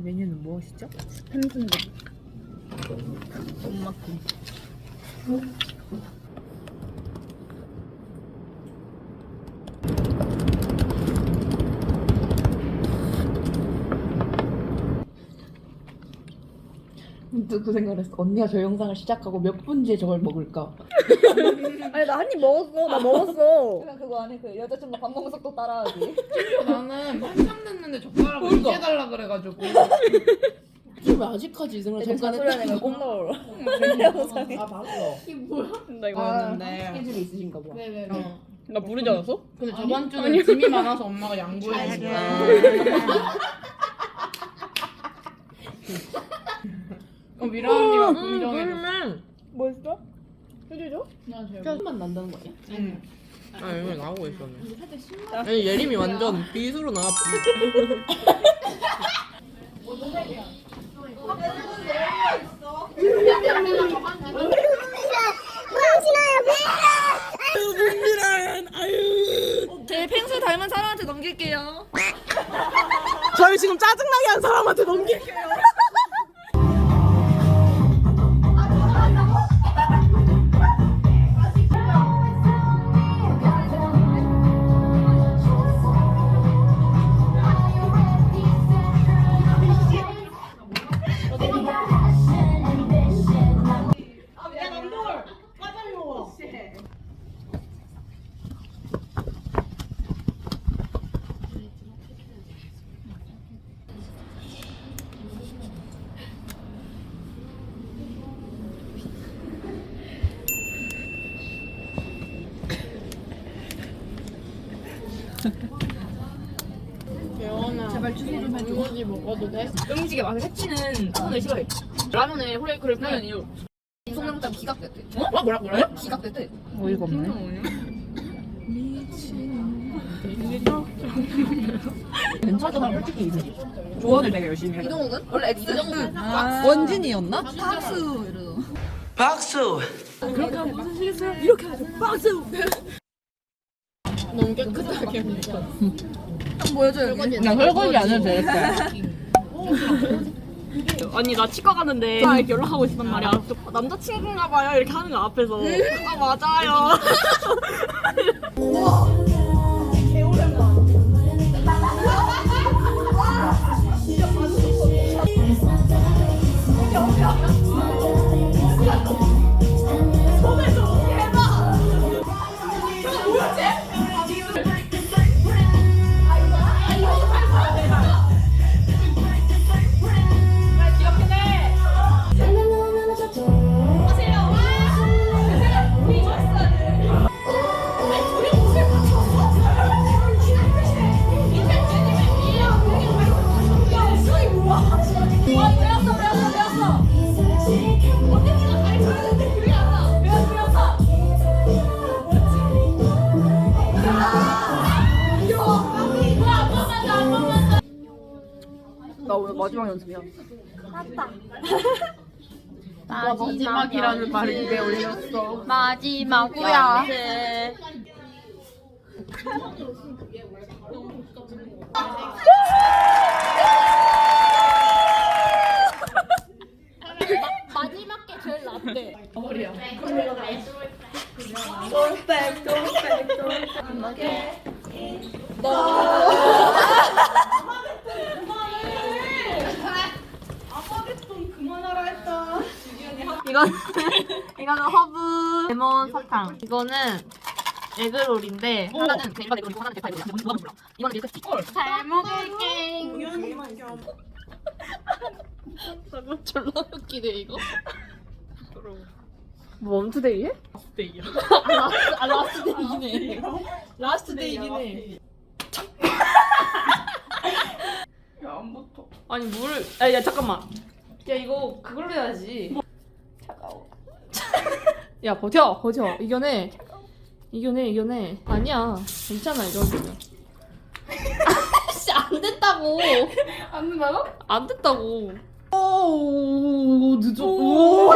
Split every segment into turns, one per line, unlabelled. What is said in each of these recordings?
메뉴는 무엇이죠?
햄순대. 엄마김.
문득 그 생각을 했어. 언니가 저 영상을 시작하고 몇 분 뒤에 저걸 먹을까?
아니 나 한 입 먹었어. 나 먹었어.
그냥 그거 안에 그 여자친구 밥 먹는 속도 따라하기.
나는 한참 됐는데 젓가락을
그러니까.
이제 달라 그래가지고.
지금 왜 아직까지 이 생각
이제
잠깐
잔소리 하니까
했다.
꼭 넣어.
아 봤어.
이게 뭐야?
나 이거 했는데.
스케줄이 있으신가 봐.
네네네.
나 부르지 않았어?
근데 저번 주는 짐이 많아서 엄마가 양보해줬어. 미라 언니가 긍정해줬어.
뭐 했어? 해주죠?
맛 난다는 거 아니야?
응.
아 여기 나오고 있었네. 아니 예림이 완전 비수로 나왔지.
제 펭수 닮은 사람한테 넘길게요.
저희 지금 짜증나게 한 사람한테 넘길게요.
예원아. 제발 주소 좀 해줘. 단무지 먹어도 돼?
음식에 맛을 해치는 손을 싫어해. 라면에 호레이크를 뿌리는 이유. 송영장 기각됐대.
어? 뭐라?
기각됐대.
어이가 없네. 괜찮아 솔직히 이제 조언을 되게 열심히 해.
이동욱은 원래 X.
원진이었나? 박수 이러고.
박수.
너무 깨끗하게 먹어.
보여줘요.
그냥 설거지 안 해도 되겠다.
아니 나 치과 가는데 이렇게 연락하고 있었단 말이야. 남자친구인가 봐요 이렇게 하는 거 앞에서. 아 맞아요.
나 오늘 마지막 연습이야.
마지막이라는 말을 입에 올렸어.
마지막이야. 마지막 게 제일 낫대.
머리야.
이거는 허브 레몬 사탕. 이거는 에그롤인데 하나는 그 일반 에그롤이고 하나는 대파 에그롤이야. 누가 몰라. 이거는 밀크티. 잘 먹을게.
너무 졸라 웃기네 이거.
뭐 멈투데이에?
데이야.
라스트 데이네. 라스트 데이긴 해.
야안 붙어.
아니 물을. 야 잠깐만. 야 이거 그걸로 해야지. 차가워. 야 버텨. 이겨내. 아니야. 괜찮아 이 정도면. 아씨 안 됐다고.
안 된다고?
안 됐다고.
오 늦어.
오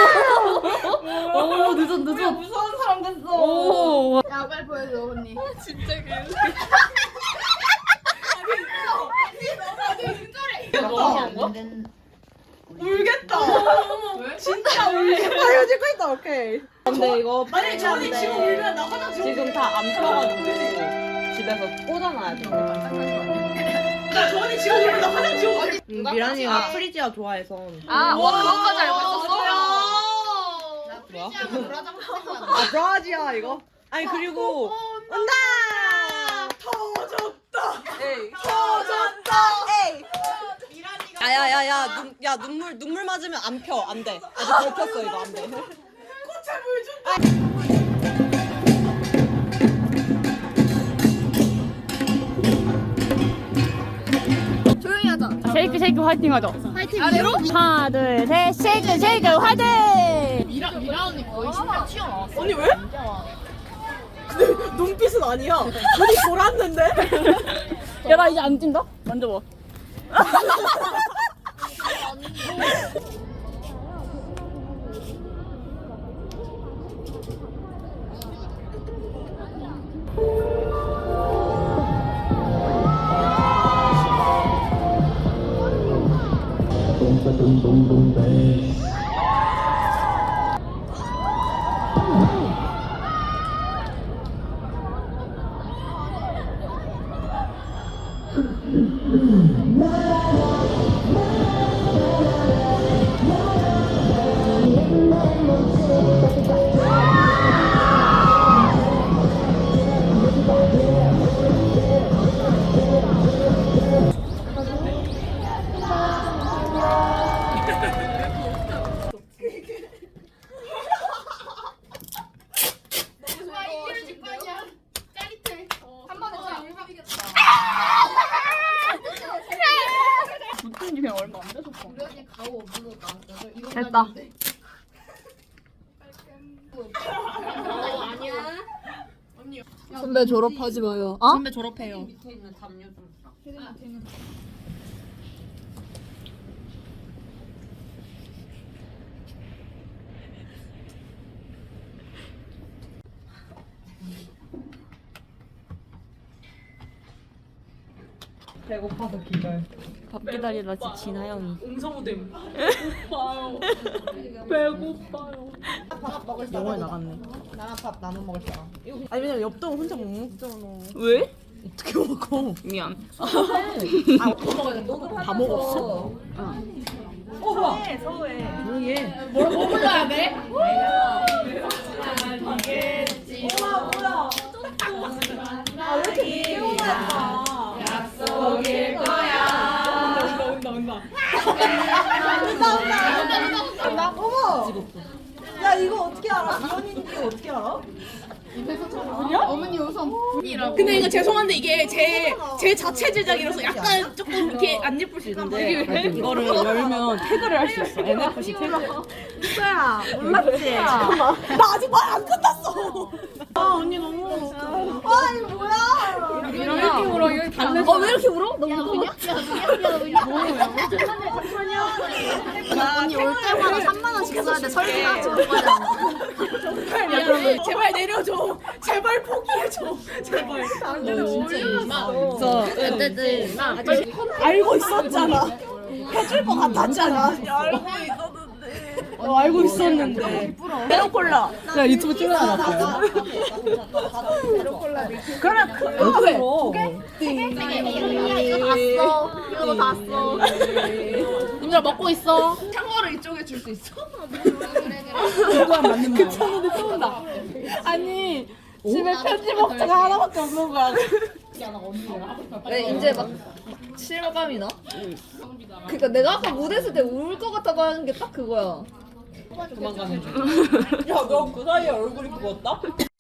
늦어.
무서운 사람 됐어.
오.
야 빨리 보여줘 언니. 진짜
야, 너무 한 거야?
울겠다. 진짜
아 이거 찍고 있다. 오케이. 근데 이거
아니 저언니 지금 울면 나 화장실
지금 다 안 펴가지고 집에서 꽂아놔야 돼.
나 저언니 지금 울면 나 화장실 어디?
미란이가 프리지아 좋아해서.
아, 그것까지 알고 있었어?
뭐야? 아 브라지아 이거? 아니 그리고 온다.
터졌다.
에이.
터졌다.
에이. 야야야야 야 눈물 맞으면 안 펴. 안 돼. 아직 덜 폈어 이거 안 돼.
꽃에 물 준다.
조용히 하자.
쉐이크 쉐이크 화이팅 하자.
파이팅. 아래로?
하나 둘 셋 쉐이크 쉐이크 화이팅.
미라 언니 거의 심장 튀어나왔어.
언니 왜? 근데 눈빛은 아니야. 눈이 돌았는데?
야 나 이제 안 찐다. 만져봐. 붙은 지 그냥 얼마 안 돼서.
됐다.
선배 졸업하지 마요.
어?
선배 졸업해요. 밑에 있는 담요 좀 사. 배고파서 기절.
밥 기다리다 지친 하영이.
웅성우댐.
영화에 나갔네.
나랑 밥 나눠 먹을 사람. 아니 왜냐면 옆동 혼자 못 먹잖아.
왜?
어떻게 먹어?
미안.
다 먹었어?
조용히 해.
뭐 불러야 돼?
야 이거 어떻게 알아? 이현이인지 어떻게 알아?
어머니 우선
근데 이거 죄송한데 이게 제 자체 제작이라서 약간 조금 이렇게 안 예쁠 수 있는데.
이거를 열면 태그를 할 수 있어. NFC 태그.
수야 몰랐지? 나 아직 말 안 끝났어. 아 언니 너무. 아 이거 뭐야?
왜 이렇게 울어? 여기 달래.
왜 이렇게 울어? 너무
언니 올 때마다 3만 원씩 써야 돼. 설비가 지금
야, 제발 내려줘. 제발 포기해줘. 제발. 알고 있었잖아. 해줄 것 같았잖아. 알고 있었는데. 알고 있었는데.
메론콜라. 야 유튜브 찍어놨어요.
그러면
이거 다 써. 이거 다 써. 님들 먹고 있어.
창어를 이쪽에 줄 수 있어?
그 친구들 또 온다. 아니 집에 편지 먹자가 하나밖에 없는 거야.
이제 막 실감이 나? 그러니까 내가 아까 무대 했을 때 울 것 같다고 하는 게 딱 그거야.
도망가는 중. 야너 그 사이에 얼굴이 부었다?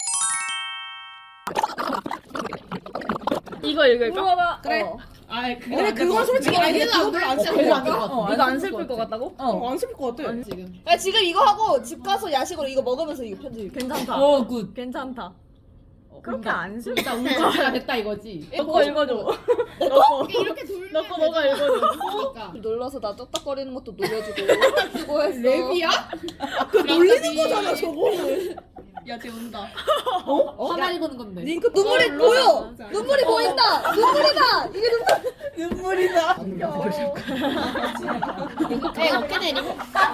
이거 읽을까?
그래.
아이 근데 그건 솔직히 아니는 그거 별로 안 슬플 것 같아.
이거 안 슬플 것 같다고?
안 슬플 것 같아.
야, 지금 이거 하고 집 가서 야식으로 이거 먹으면서 이거 편집.
괜찮다.
굿.
괜찮다.
그렇게 안 슬.
나 운동가 됐다 이거지.
너거 읽어줘.
이렇게 돌면
너거 너가 읽어줘.
그러니까.
놀라서 나 쩍딱거리는 것도 놀려주고 수고했어.
랩이야? 그 놀리는 거잖아 저거는.
야쟤 운다.
하나리 거는 건데.
링크 눈물이 보여. 눈물이 보인다. 눈물이다. 이게 눈물이다.
에 어깨 내리고.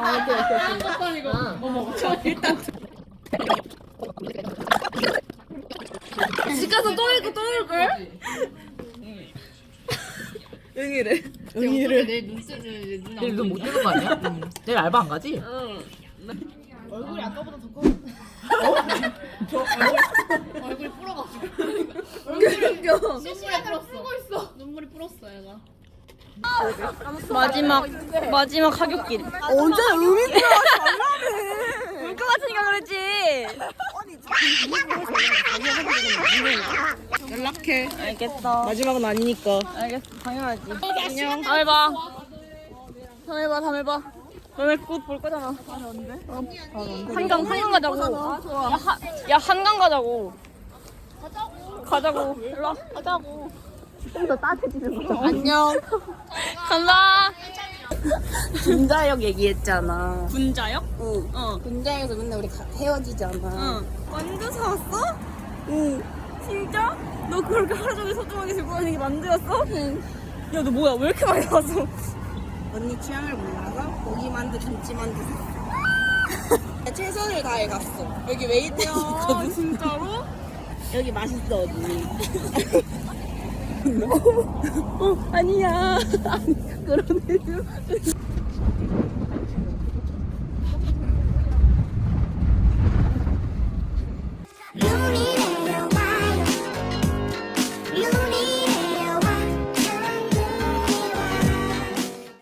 집 가서 또 읽고 또 읽을? 응이래. 응이래.
내 눈썹을 눈
내일 눈못 뜨는 거 아니야? 내일 알바 안 가지?
얼굴이 아까보다 더 커. 얼굴이 불어가지고. 눈물이 불었어. 눈물이 불었어 얘가.
마지막 하굣길.
언제 의미
울 것 같으니까 그랬지.
연락해.
알겠어.
마지막은 아니니까.
알겠어. 당연하지. 안녕. 다음에 봐. 다음에 봐. 다음에 봐. 너네 곧 볼 거잖아. 언제? 한강 가자고. 야 한강 가자고. 가자고. 일로 와. 가자고. 좀 더 따뜻해지는 거. 안녕. 간다.
분자역 얘기했잖아.
분자역?
응. 분자역에서 맨날 우리 헤어지잖아. 만두 사왔어? 응.
진짜? 너 그렇게 하루 종일 소중하게 들고 다니는 게 만두였어? 응. 야 너 뭐야? 왜 이렇게 많이 사왔어?
언니 취향을 몰라서 고기 만두, 김치 만두 샀어. 최선을 다해 갔어. 여기 웨이팅이 있거든.
진짜로?
여기 맛있어 언니.
아니야. 그런 애들.